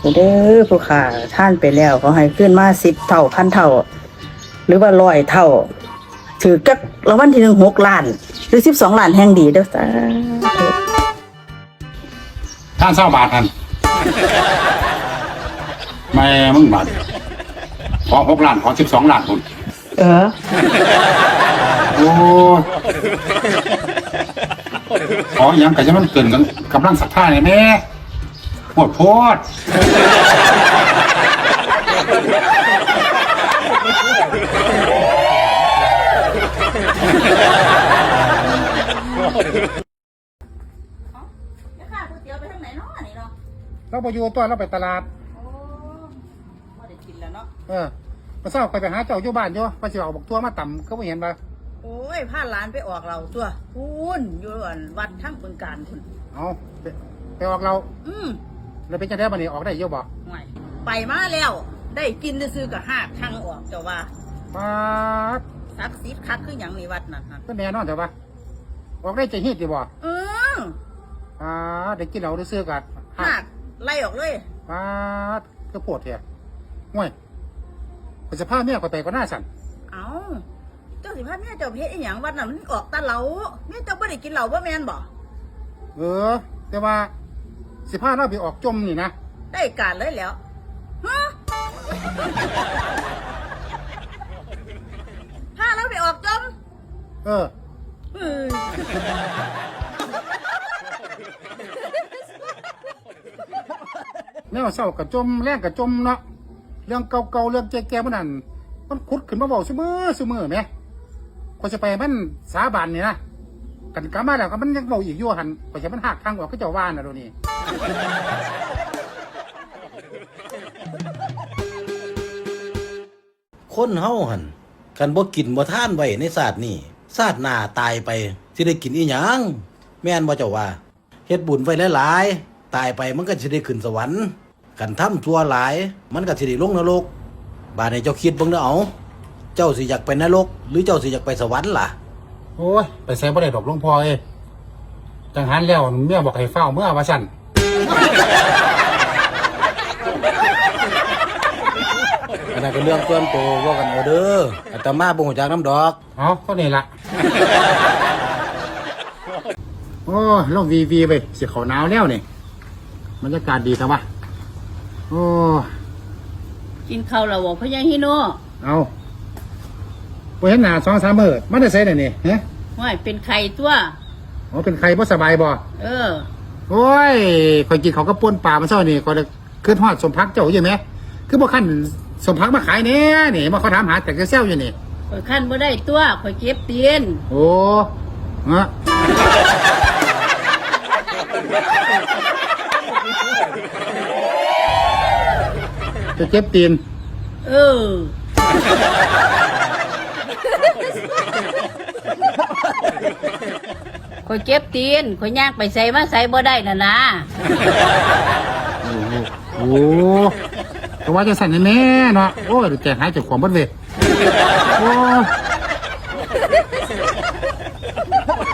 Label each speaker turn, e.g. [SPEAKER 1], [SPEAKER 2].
[SPEAKER 1] เด้อผู้ขาท่านไปแล้วเขาให้ขึ้นมา10 เท่าพันเท่า หรือว่า100 เท่า ถือกักรางวัลที่1 6 ล้าน หรือ12 ล้านแห่งดีเด้อสาธุ
[SPEAKER 2] ท่านเศร้าบาทท่านไม่มึงบาทขอ6 ล้านขอ12 ล้านคุณ โอ้ขออย่างก็จะมันเกินกันกำลังศรัทธาเนี่ยแม่ปวดโพดเราไปอยู่ตัวเราไปตลาดมาเศร้าไปหาเจ้าอยู่บ้านอยู่ไปสิเอาบักทั่วมาต่ำก็ไม่เห็นปะ
[SPEAKER 1] โอ้ยพาหลานไปออกเราตัวคุณอยู่วัดทั้งบึงการคุณ
[SPEAKER 2] เอาไปออกเราแล้วเป็นจังได๋บัดนี้ออกได้เยอะบ่
[SPEAKER 1] ไม่ไปมาแล้ว ได้กินซื้อกับหากทางออกเจ้าว่า
[SPEAKER 2] ป๊าด
[SPEAKER 1] ศักดิ์สิทธิ์คักคืออย่างในวัดนั่นฮะ
[SPEAKER 2] ก็แน่นอนเถอะปะออกได้จะฮีดดีบ่
[SPEAKER 1] อือ
[SPEAKER 2] ได้กินเหล้าได้ซื้อกัน
[SPEAKER 1] หากไล่ออกเลย
[SPEAKER 2] ป๊าดก็ปวดแท้ห่วยไปสภาพเมียก็ไปก็น่าสั่น
[SPEAKER 1] เอาเจ้าสิพาแม่เจ้าเพชรอีหยังวัดนั่นมันออกตาเหลาแม่เจ้าไม่ได้กินเหล้าบ่แม่นบ่
[SPEAKER 2] แต่ว่าสิพาเราไปออกจมนี่นะ
[SPEAKER 1] ได้การเลยแล้วฮะพาเราไปออกจม
[SPEAKER 2] เออ แนวเศร้ากับจมแรงกับจมเนาะเรื่องเก่าๆเรื่องแก่ๆมันนั่นมันขุดขึ้นมาบอกเสมอไหมก็จะไปมันสาบานนี่นะกันกลับมาแล้วก็มันยังเบาอีกอยู่หันก็จะมันหักทางออกก็จะว่านนะดูนี่
[SPEAKER 3] คนเฮาหันกันบ่กินบ่ทานไว้ในศาสตร์นี้ศาสตร์หน้าตายไปสิได้กินอีหยังแม่นบ่เจ้าว่าเฮ็ดบุญไว้หลายๆตายไปมันก็สิได้ขึ้นสวรรค์กันทำชั่วหลายมันก็สิได้ลงนรกบาดนี้เจ้าคิดเบิ่งเด้อเอาเจ้าสิอยากไปนรกหรือเจ้าสิอยากไปสวรรค์ล่ะ
[SPEAKER 2] โอ้ยไปใส่บ่ได้ดอกหลวงพ่อจังหันแล้วเมียบอกให้เฝ้าเมื่อว่าสั่น
[SPEAKER 3] อันนั้นก็เรื่องส่วนตัวว่ากันเอาเด้ออาตมาบ่ฮู้จักน้ำดอก
[SPEAKER 2] เอาเท่านี้ละ โอ้ยลงวีไปเสียเขาหนาวแล้วนี่บรรยากาศดีจังวะโอ้
[SPEAKER 1] กินข้าวแล้วบ่พ่อใหญ่ฮิโน
[SPEAKER 2] เอาไปเห็นหน้า2-3 มื้อมันได้ใส่ได้นี่ฮะ
[SPEAKER 1] ว่าเป็นไข่ตัว
[SPEAKER 2] อ๋อเป็นใครบ่สบายบ่ โอ้ยข่อยกินเขาวก็ป่นปลามาเช้านี่ก็เลยขึ้นฮอดสมพักเจ้าอยู่ไหมคือบ่คันสมพักมาขายแน่นี่มาเขาถามหาแต่กระเซลอยู่นี่
[SPEAKER 1] ข่อยขั้นบ่ได้ตัวข่อยเก็บเตียน
[SPEAKER 2] โอ้ฮะจะเจ็บตีน
[SPEAKER 1] ข่อยเก็บตีนข่อยย่างไปใส่มาใส่บ่ได้น่ะนะ
[SPEAKER 2] โอ้ก็ว่าจะสั่นแน่เนาะโอ้ยแกหายจากความบัดเวโอ้